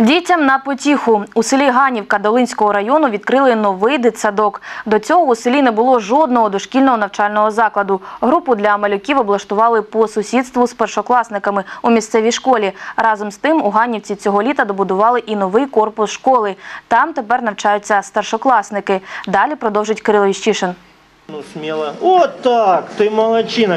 Дітям на потіху. У селі Ганівка Долинського району відкрили новий дитсадок. До цього у селі не було жодного дошкільного навчального закладу. Групу для малюків облаштували по сусідству з першокласниками у місцевій школі. Разом з тим у Ганівці цього літа добудували і новий корпус школи. Там тепер навчаються старшокласники. Далі продовжить Кирило Іщишин. Ну, смело. Вот так, ты молодчина.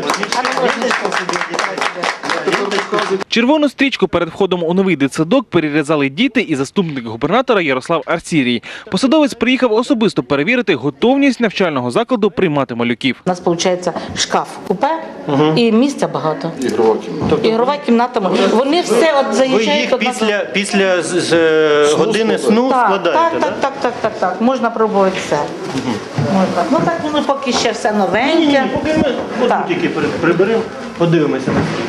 Червону стрічку перед входом у новий дитсадок перерізали діти і заступник губернатора Ярослав Арсірій. Посадовець приїхав особисто перевірити готовність навчального закладу приймати малюків. У нас, виходить, шкаф-купе і місця багато. Ігрова кімната. Вони все от заїжджають. Ви їх після години сну складаєте, так? Так. Можна пробувати все. Можна. Ну так воно поки ще все новеньке. Поки ми тільки приберемо, подивимося на це.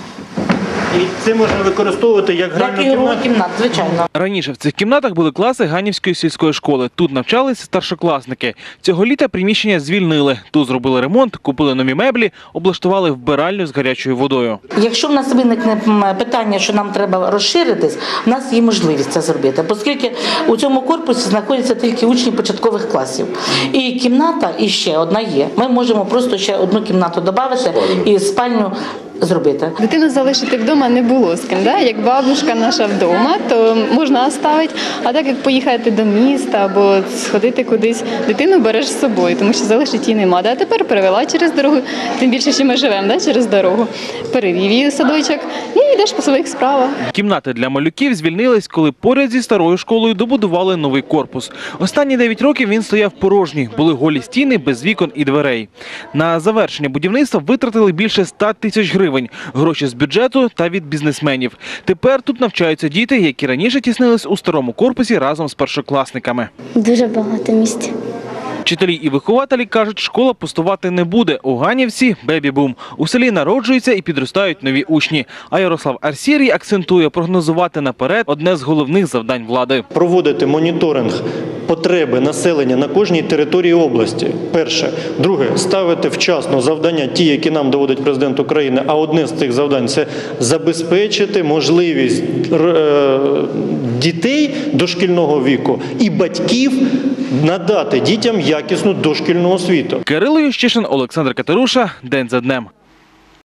І це можна використовувати як гральну кімнату? Кімнат, звичайно. Раніше в цих кімнатах були класи Ганівської сільської школи. Тут навчались старшокласники. Цього літа приміщення звільнили. Тут зробили ремонт, купили нові меблі, облаштували вбиральню з гарячою водою. Якщо в нас виникне питання, що нам треба розширитись, в нас є можливість це зробити. Оскільки у цьому корпусі знаходяться тільки учні початкових класів. І кімната, і ще одна є. Ми можемо просто ще одну кімнату додати і спальню зробити. Дитину залишити вдома не було з ким. Да? Як бабушка наша вдома, то можна оставити. А так як поїхати до міста або сходити кудись, дитину береш з собою, тому що залишити її нема. А тепер перевела через дорогу, тим більше, що ми живемо через дорогу. Перевів її у садочок і йдеш по своїх справах. Кімнати для малюків звільнились, коли поряд зі старою школою добудували новий корпус. Останні 9 років він стояв порожній. Були голі стіни без вікон і дверей. На завершення будівництва витратили більше 100 тисяч гривень. Гроші з бюджету та від бізнесменів. Тепер тут навчаються діти, які раніше тіснились у старому корпусі разом з першокласниками. Дуже багато місць. Вчителі і вихователі кажуть, школа пустувати не буде. У Ганівці – бебі-бум. У селі народжуються і підростають нові учні. А Ярослав Арсірій акцентує, прогнозувати наперед – одне з головних завдань влади. Проводити моніторинг потреби населення на кожній території області. Перше. Друге. Ставити вчасно завдання, ті, які нам доводить президент України. А одне з цих завдань – це забезпечити можливість дітей дошкільного віку і батьків надати дітям якісну дошкільну освіту. Кирило Іщишин, Олександр Катеруша. День за днем.